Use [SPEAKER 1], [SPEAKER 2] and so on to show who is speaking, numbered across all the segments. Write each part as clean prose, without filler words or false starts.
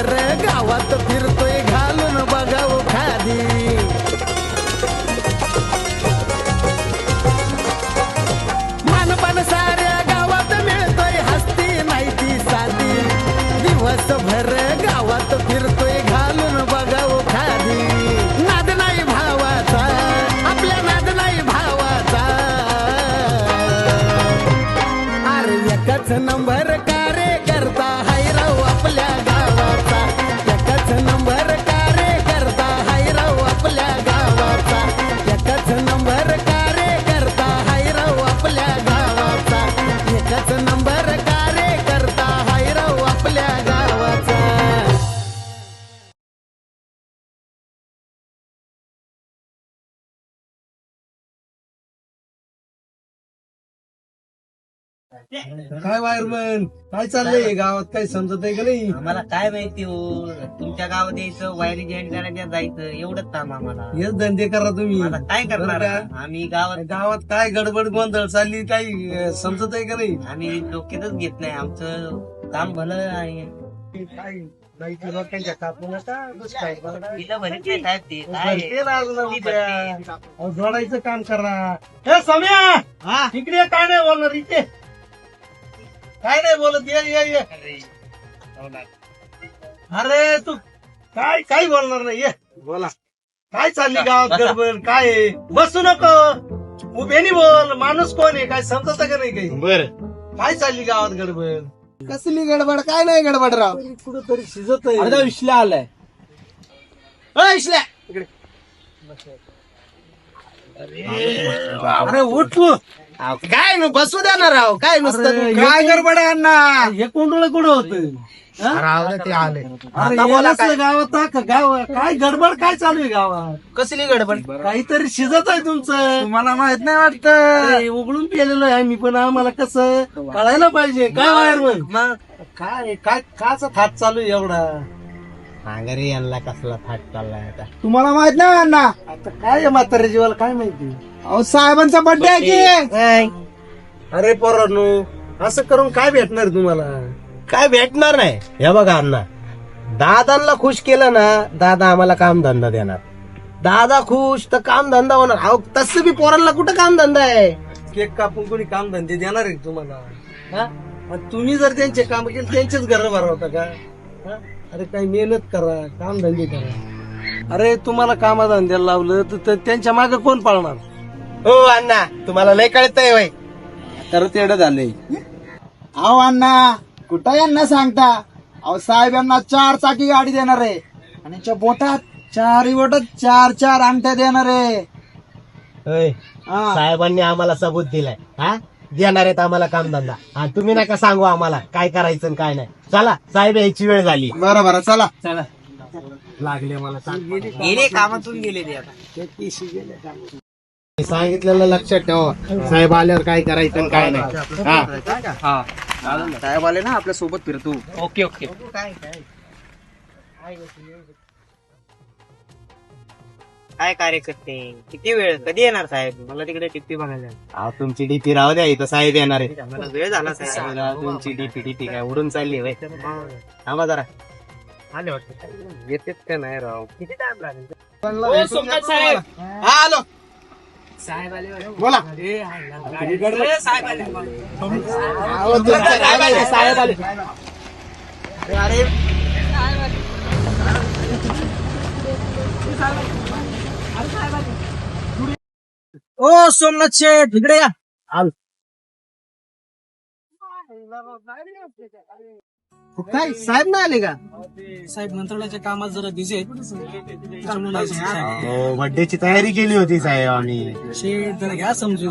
[SPEAKER 1] वर्षभर गावात फिरतोय घालून बघाव खादी. मानपान साऱ्या गावात मिळतोय हस्ती नाही ती साधी. दिवसभर गावात फिरतोय घालून बघाव खादी. नाद नाही भावाचा आपल्या नाद नाही भावाचा. अरे एकच नंबर कार्यकर्ता हायराव आपल्या गावाचा. एकच नंबर कार्यकर्ता हायराव आपल्या गावाचा. एकच नंबर कार्यकर्ता हायराव आपल्या गावाचा. एकच नंबर कार्यकर्ता हायराव आपल्या गावाचा.
[SPEAKER 2] काय वायरमन काय चाललंय गावात? काही समजत आहे का नाही?
[SPEAKER 3] आम्हाला काय माहिती हो. तुमच्या गावात यायचं, वायरी जॉईन करायला जायचं, एवढंच काम आम्हाला.
[SPEAKER 2] हेच धंदे करा तुम्ही.
[SPEAKER 3] आता काय करणार
[SPEAKER 2] बरं का?
[SPEAKER 3] आम्ही गावात
[SPEAKER 2] गावात काय गडबड गोंधळ चालली काही समजत आहे का नाही?
[SPEAKER 3] आम्ही डोक्यातच घेत नाही. आमचं काम भलं आहे.
[SPEAKER 2] लोकांच्या कापू नका.
[SPEAKER 3] तिला भरीत नाही साहेब ते काय
[SPEAKER 2] ते लागलं
[SPEAKER 3] ती
[SPEAKER 2] उद्या.
[SPEAKER 3] भरते.
[SPEAKER 2] अहो, जोडायचं काम करा. हे सम्या इकडे ये, काय नाही बोलणार इथे. काय नाही बोलत. ये अरे तू काय काही बोलणार नाही. ये बोला. काय चालली गावात गडबड? काय आहे? बसू नको. उभेनी बोल. माणूस कोण आहे? काय समजत का नाही काही?
[SPEAKER 4] बर
[SPEAKER 2] काय चालली गावात गडबड?
[SPEAKER 1] कसली गडबड? काय नाही गडबड राव.
[SPEAKER 2] कुठंतरी शिजत आहे.
[SPEAKER 1] अर्धा विश्ल्या आलाय. विश्ल्या
[SPEAKER 2] अरे उठ तू.
[SPEAKER 1] काय न बसू द्या ना राव. काय नुसतं
[SPEAKER 2] अरे,
[SPEAKER 1] काय
[SPEAKER 2] हे-
[SPEAKER 1] गडबड आहे अण्णा?
[SPEAKER 2] हे कोंडोळ कुठं होत?
[SPEAKER 1] ते आले.
[SPEAKER 2] अरे यालाच गावात गाव काय गडबड काय चालू आहे गावात?
[SPEAKER 1] कसली गडबड?
[SPEAKER 2] काहीतरी शिजत आहे तुमचं.
[SPEAKER 1] तुम्हाला माहित नाही वाटत?
[SPEAKER 2] अरे, उघडून पेलेलो आहे मी पण. आम्हाला कसं कळायला पाहिजे. काय वायर मग काय काय काचा थाट चालू आहे एवढा?
[SPEAKER 4] रे यांना कसला थाट चाललाय आता.
[SPEAKER 1] तुम्हाला माहित नाही अण्णा?
[SPEAKER 2] आता काय आहे म्हाताऱ्या जीवाला काय माहिती?
[SPEAKER 1] अहो साहेबांचा बर्थडे आहे की.
[SPEAKER 2] अरे पोरांनो, असं करून काय भेटणार तुम्हाला?
[SPEAKER 4] काय भेटणार नाही. हे बघा अण्णा, दादांना खुश केलं ना, दादा आम्हाला काम धंदा देणार. दादा खुश तर काम धंदा होणार. अहो तसं बी पोरांना कुठं काम धंदा आहे?
[SPEAKER 2] केक कापून कोणी काम धंदे देणार आहे का तुम्हाला? हा? आणि तुम्ही जर त्यांचे काम केले त्यांचेच घर भरवता का? हा? अरे काही मेहनत करा, काम धंदे करा. अरे तुम्हाला कामाधंद्याला लावलं तर त्यांच्या मागे कोण पाळणार?
[SPEAKER 4] हो अण्णा, तुम्हाला लय कळतंय वय.
[SPEAKER 1] तर तेवढं झालंय. अहो अण्णा कुठं यांना सांगता? अहो साहेब यांना 4 चाकी गाडी देणार आहे आणि त्यांच्या बोटात 4 बोटात 4 अंगठ्या देणार आहे.
[SPEAKER 4] होय.
[SPEAKER 1] हा.
[SPEAKER 4] साहेबांनी आम्हाला सबूत दिलाय. हा देणार आहेत आम्हाला काम धंदा. हा तुम्ही नका सांगू आम्हाला काय करायचं आणि काय नाही. चला साहेब यायची वेळ झाली.
[SPEAKER 1] बरं चला.
[SPEAKER 4] लागले मला सांग.
[SPEAKER 3] गेले कामातून गेले ते आता.
[SPEAKER 4] सांगितलेलं लक्षात ठेवा. साहेब आल्यावर काय करायचं आणि काय नाही. हा
[SPEAKER 1] साहेब आले ना आपल्या सोबत फिरतो.
[SPEAKER 3] Okay okay. काय कार्यकर्ते किती वेळ कधी येणार साहेब? मला तिकडे टिप्पी बघायला
[SPEAKER 4] अहो तुमची डीपी राहू द्या, इथं साहेब येणार आहे.
[SPEAKER 3] मला वेळ झाला साहेब.
[SPEAKER 4] तुमची डीपी काय उडून चालली वय. थांबा जरा.
[SPEAKER 3] आले वाटतं.
[SPEAKER 4] येतेच का नाही राव.
[SPEAKER 3] किती टाइम लागेल?
[SPEAKER 1] साहेब हा आलो.
[SPEAKER 3] साहेब आले.
[SPEAKER 1] बोला.
[SPEAKER 3] साहेब आले.
[SPEAKER 1] अहो, तुमचं काय माहिती, साहेब आले.
[SPEAKER 3] अरे
[SPEAKER 1] ओ सोमनाथ शेठ इकडे या. काय साहेब नाही आले का?
[SPEAKER 2] साहेब मंत्रालयाच्या कामात जरा बिझी आहेत.
[SPEAKER 4] बर्थडेची तयारी केली होती साहेब आम्ही.
[SPEAKER 2] शेठ जरा घ्या समजून.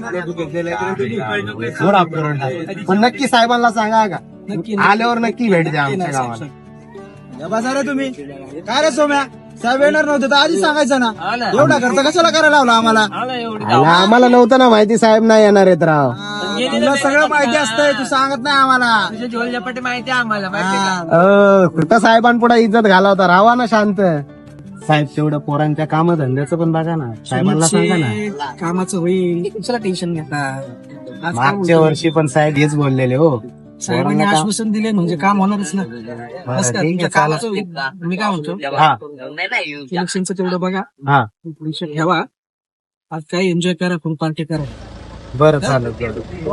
[SPEAKER 4] थोडा करून टाक. पण नक्की साहेबांना सांगा का आल्यावर नक्की भेट द्या आमच्या गावाला.
[SPEAKER 1] बसा रे तुम्ही. काय रे सोम्या, साहेब येणार नव्हते तर आधी सांगायचं ना. एवढा खर्च कशाला करायला लावला आम्हाला?
[SPEAKER 4] आम्हाला नव्हतं ना माहिती साहेब नाही येणार आहेत राव.
[SPEAKER 1] तुला सगळं माहिती असतंय, तू सांगत नाही आम्हाला.
[SPEAKER 3] तुझ्या झोलझपाटी माहिती आहे आम्हाला. माहिती आहे का?
[SPEAKER 4] कुठं साहेबांपुढे इज्जत घालावता. राहा ना शांत. साहेब तेवढं पोरांच्या कामधंद्याचं पण बघा ना. साहेबांना सांगा ना.
[SPEAKER 2] कामाचं होईल, तुला टेन्शन घेता.
[SPEAKER 4] मागच्या वर्षी पण साहेब हेच बोललेले हो.
[SPEAKER 2] साहेबांनी आश्वासन दिले म्हणजे काम होणारच ना. बस का, तुमच्या कामाचं मी काय म्हणतो, इलेक्शनचं तेवढं बघा, विषय ठेवा, आज काही एन्जॉय करा, फुल पार्टी करा.
[SPEAKER 4] बरं चालेल.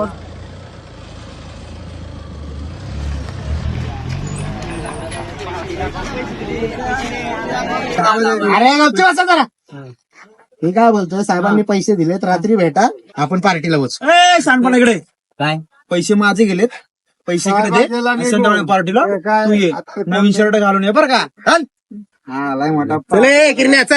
[SPEAKER 1] अरे गपची बसा जरा.
[SPEAKER 4] मी काय बोलतोय, साहेबांनी पैसे दिलेत, रात्री भेटा, आपण पार्टीला बसू.
[SPEAKER 1] ए सांडपण इकडे
[SPEAKER 3] काय
[SPEAKER 1] पैसे माझे गेलेत, पैसे इकडे दे आणि संध्याकाळी पार्टीला तू ये, नवीन शर्ट घालून ये बरं का. चल. हा लय मोठा
[SPEAKER 4] चल ए, किरण्या चल.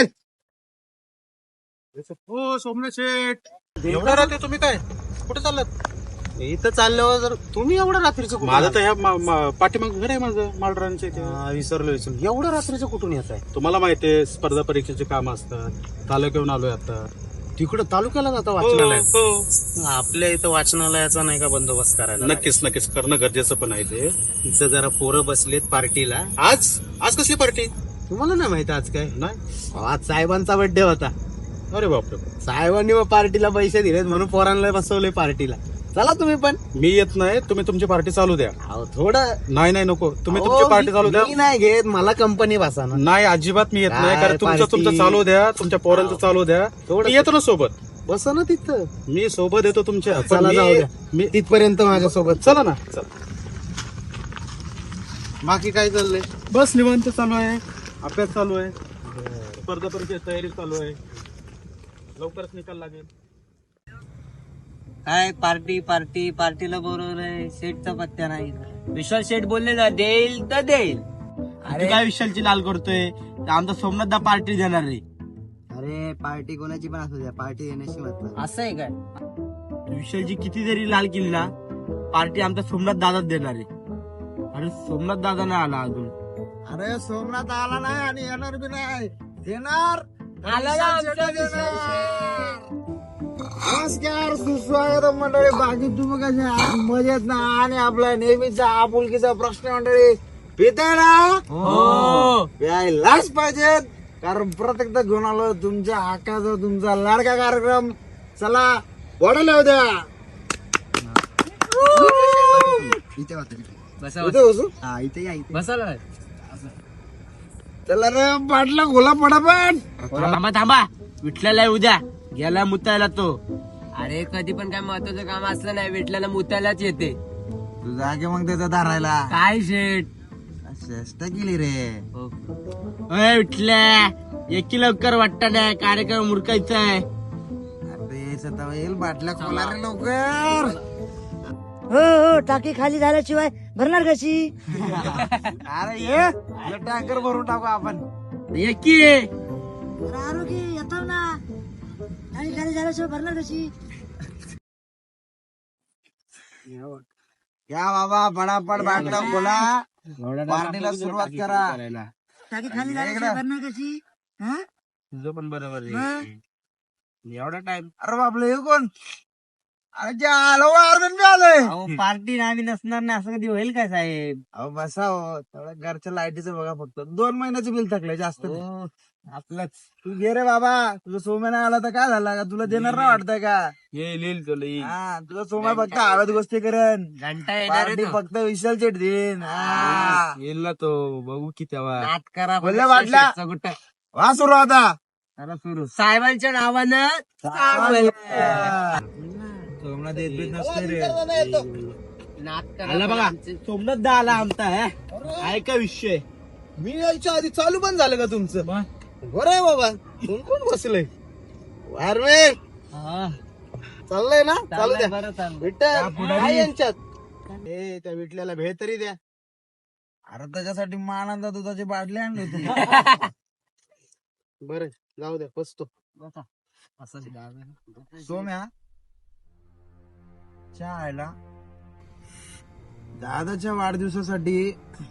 [SPEAKER 2] हो सोमनाथ शेठ, एवढ्या रात्री तुम्ही काय कुठे चाललात?
[SPEAKER 4] इथं चालल्यावर जर तुम्ही एवढं रात्रीचं कुठून
[SPEAKER 2] माझं तर ह्या पाठीमाग घर आहे माझं मालरानचं इथे.
[SPEAKER 4] विसरलो एवढं रात्रीचं कुठून येत आहे?
[SPEAKER 2] तुम्हाला माहिती आहे स्पर्धा परीक्षेचे काम असतात, तालुक्याहून आलोय आता.
[SPEAKER 4] तिकडं तालुक्याला जाता वाचनालयात? आपल्या इथं वाचनालयाचा नाही का बंदोबस्त करायला?
[SPEAKER 2] नक्कीच नक्कीच करणं गरजेचं पण आहे ते.
[SPEAKER 4] इथं जरा पोरं बसलेत पार्टीला.
[SPEAKER 2] आज आज कसली पार्टी?
[SPEAKER 4] तुम्हाला नाही माहिती आज काय?
[SPEAKER 2] नाही.
[SPEAKER 4] आज साहेबांचा बर्थडे होता.
[SPEAKER 2] अरे बापरे.
[SPEAKER 4] साहेबांनी मग पार्टीला पैसे दिलेत म्हणून पोरांना बसवले पार्टीला. चला तुम्ही पण.
[SPEAKER 2] मी येत नाही, तुम्ही तुमची पार्टी चालू द्या.
[SPEAKER 4] अहो, थोडं
[SPEAKER 2] नाही नाही नको, तुम्ही तुमची पार्टी चालू द्या.
[SPEAKER 4] मी नाही घेत, मला कंपनी बसा ना.
[SPEAKER 2] नाही अजिबात मी येत नाही,
[SPEAKER 4] काय
[SPEAKER 2] कारण तुमचं
[SPEAKER 4] party?
[SPEAKER 2] तुमचं चालू द्या, तुमच्या पोरांचं चालू द्या.
[SPEAKER 4] थोडं-
[SPEAKER 2] मी येतो ना सोबत,
[SPEAKER 4] बसा ना तिथं.
[SPEAKER 2] मी सोबत येतो तुमच्या. पण
[SPEAKER 4] चला
[SPEAKER 2] मी-
[SPEAKER 4] जाऊ द्या.
[SPEAKER 2] मी
[SPEAKER 4] तिथपर्यंत माझ्यासोबत.
[SPEAKER 2] चला ना. चला.
[SPEAKER 4] बाकी काय चाललंय?
[SPEAKER 2] बस निवांत चालू आहे, अभ्यास चालू आहे, स्पर्धा परीक्षेची तयारी चालू आहे, लवकरच निकाल लागेल.
[SPEAKER 3] काय पार्टी पार्टी पार्टीला बोलवलंय, शेठचा पत्त्या नाही. विशाल शेठ बोलले ना देईल तर देईल.
[SPEAKER 4] अरे काय विशालची लाल करतोय? आमचा सोमनाथदा पार्टी देणार रे.
[SPEAKER 1] अरे पार्टी कोणाची पण असू द्या, पार्टी देण्याशी मतलब.
[SPEAKER 3] असं आहे काय?
[SPEAKER 4] विशालची किती जरी लाल केली ना, पार्टी आमचा सोमनाथ दादाच देणार आहे. अरे सोमनाथ दादा नाही आला अजून.
[SPEAKER 1] अरे सोमनाथ आला नाही आणि येणार बी नाही, देणार.
[SPEAKER 3] आला ना आमचा
[SPEAKER 1] नमस्कार, सुस्वागत मंडळी. बाकी तुम्ही कसे आहात? मजेत ना? आणि आपला नेहमीचा आपुलकीचा प्रश्न मंडळी, पिताय ना?
[SPEAKER 3] हो.
[SPEAKER 1] प्यायलाच पाहिजेत, कारण प्रत्येकदा घेऊन आलो तुमच्या हक्काचा तुमचा लाडका कार्यक्रम. चला बॉटल येऊ द्या.
[SPEAKER 3] बसा
[SPEAKER 1] इथे बसू?
[SPEAKER 3] बसायला
[SPEAKER 1] चला रे बाटला खोला पटापट.
[SPEAKER 3] थांबा थांबा, विठल्याला आहे उद्या, गेला मुतायला तो. अरे कधी पण काय महत्वाचं काम असलं नाही, विठल्याला मुतायलाच येते.
[SPEAKER 1] तू जागे मग त्याचा धारायला.
[SPEAKER 3] काय शेठ
[SPEAKER 1] चेष्टा केली रे.
[SPEAKER 3] विठल्या एकी लवकर वाटतं नाही, कार्यक्रम उरकायचा आहे.
[SPEAKER 1] अरे सता येईल, बाटल्या खोला रे लवकर.
[SPEAKER 5] हो हो, टाकी खाली झाल्याशिवाय भरणार कशी?
[SPEAKER 1] अरे ये टँकर भरून टाकू आपण.
[SPEAKER 3] एकी
[SPEAKER 5] आरोग्य येतो ना, टाकी खाली झाल्याशिवाय भरणार कशी?
[SPEAKER 1] या बाबा पटापट बाटला खोला, पार्टीला सुरुवात करा.
[SPEAKER 5] टाकी खाली झाल्याशिवाय भरणार कशी? हा?
[SPEAKER 3] तुझं पण बरोबर
[SPEAKER 5] मग?
[SPEAKER 3] एवढा टाइम.
[SPEAKER 1] अरे बापले, हे कोण? अरे जे आलो अर्जुन बी आलोय.
[SPEAKER 3] पार्टी आम्ही नसणार नाही असं कधी होईल काय साहेब?
[SPEAKER 1] अहो बसा हो, तेवढं घरच्या लाईटीचं बघा फक्त. 2 महिन्याचं बिल थकलंय, जास्त नाही.
[SPEAKER 3] आपलंच
[SPEAKER 1] तू घे रे बाबा, तुझं सोम्या नाही आला तर काय झालं का? तुला देणार नाही वाटतंय का?
[SPEAKER 3] येईल तुला
[SPEAKER 1] हा, तुझा सोम्या फक्त हव्यात गोष्टी करेन,
[SPEAKER 3] घंटा येणार
[SPEAKER 1] पार्टी फक्त विशाल चेट देईन. हा.
[SPEAKER 3] येईल ना तो, बघू की तेव्हा. नाट करा
[SPEAKER 1] बोलले वाटला.
[SPEAKER 3] कुठं
[SPEAKER 1] वा सुरू आता.
[SPEAKER 3] सुरू साहेबांच्या नावानं
[SPEAKER 1] सोमना देत बीत नसते रे.
[SPEAKER 4] आला बघा, सोमनाथ दा आला आमचा. आहे का विषय? मी यायच्या आधी चालू पण झालं का तुमचं? बरं आहे बाबा. कोण कोण बसलंय? वारवेल चाललंय ना? चालू द्या.
[SPEAKER 3] बरं चाललं.
[SPEAKER 4] विठ्ठल आहे यांच्यात. ए त्या विठल्याला भेळ तरी द्या.
[SPEAKER 1] अरे त्याच्यासाठी मानांदा दुधाची बाटली आणली होती.
[SPEAKER 4] बरं जाऊ द्या, बसतो.
[SPEAKER 1] सोम्या चहायला दादाच्या वाढदिवसासाठी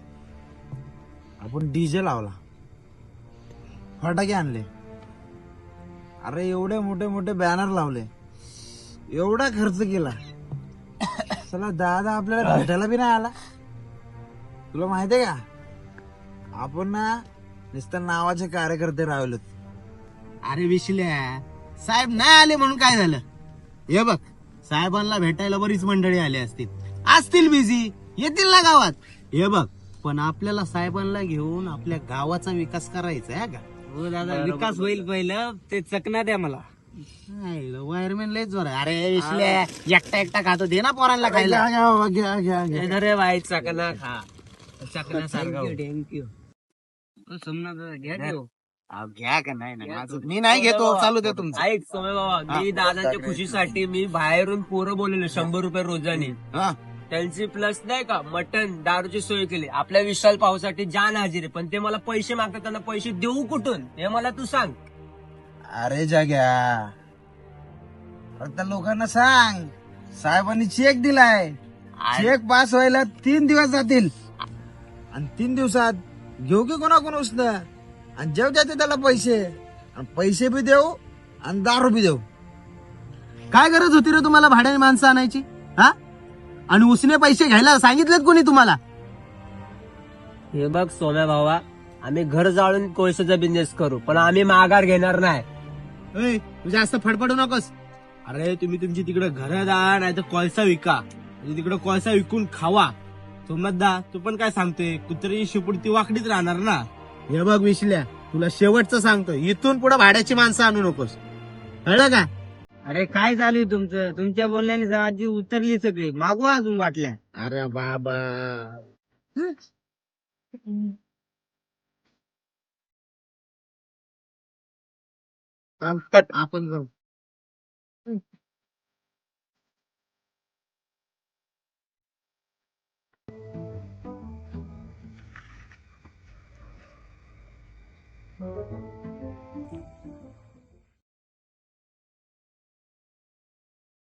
[SPEAKER 1] आपण डीजे लावला, फटाके आणले. अरे एवढे मोठे मोठे बॅनर लावले, एवढा खर्च केला. चला दादा आपल्याला भेटायला बी नाही आला. तुला माहितीये का, आपण ना नुसतं नावाचे कार्यकर्ते राहिलो.
[SPEAKER 4] अरे विशल्या, साहेब नाही आले म्हणून काय झालं? हे बघ, साहेबांना भेटायला बरीच मंडळी आली असतील बिझी. येतील ना गावात. हे बघ, पण आपल्याला साहेबांना घेऊन आपल्या गावाचा विकास करायचा आहे का.
[SPEAKER 3] हो दादा, विकास होईल पहिलं, ते चकना द्या मला.
[SPEAKER 4] वायरमॅन लयच जोर आहे. अरे विसल्या, एकटा एकटा खातो, दे ना पोरांना खायला.
[SPEAKER 1] घ्या घ्या बाबा, घ्या घ्या घ्या.
[SPEAKER 3] अरे भाई चकना खा, चकना सारखा. थँक्यू. सोमनाथ दादा घ्या की हो.
[SPEAKER 4] अहो, घ्या का नाही ना, मी नाही घेतो, चालू दे तुमचं.
[SPEAKER 3] ऐक सोमे बाबा, मी दादाच्या खुशीसाठी मी बाहेरून पोरं बोलवले 100 रुपये रोजाने.
[SPEAKER 4] हा.
[SPEAKER 3] त्यांची प्लस नाही का मटन दारूची सोय केली. आपल्या विशाल पावसाठी जान हाजीर आहे, पण ते मला पैसे मागतात. त्यांना पैसे देऊ कुठून हे मला तू सांग.
[SPEAKER 1] अरे जाग्या, त्या लोकांना सांग साहेबांनी चेक दिलाय. चेक पास व्हायला 3 दिवस जातील आणि 3 दिवसात घेऊ की कोणाकोण उसनं आणि जेव द्यायचे त्याला पैसे, आणि पैसे बी देऊ आणि दारू बी देऊ.
[SPEAKER 4] काय गरज होती रे तुम्हाला भाड्याने माणसं आणायची? हा, आणि उसने पैसे घ्यायला सांगितलेत कोणी तुम्हाला?
[SPEAKER 3] हे बघ सोम्या भावा, आम्ही घर जाळून कोळशाचा बिझनेस करू, पण आम्ही माघार घेणार नाही.
[SPEAKER 4] ए, तू जास्त फडफडू नकोस. अरे तुम्ही तुमची तिकडे घर द्या, नाही तर कोळसा विका. म्हणजे तिकडे कोळसा विकून खावा. सोमनाथदा, तू पण काय सांगतोय, कुत्र्याची शिपुडती वाकडीच राहणार ना. हे बघ विशल्या, तुला शेवटचं सांगतो, इथून पुढे भाड्याची माणसं आणू नकोस, कळलं का?
[SPEAKER 3] अरे काय चालू आहे तुमचं? तुमच्या बोलण्याने आजी उतरली सगळी, मागवा अजून वाटल्या.
[SPEAKER 4] अरे बाबा, आपण जाऊ.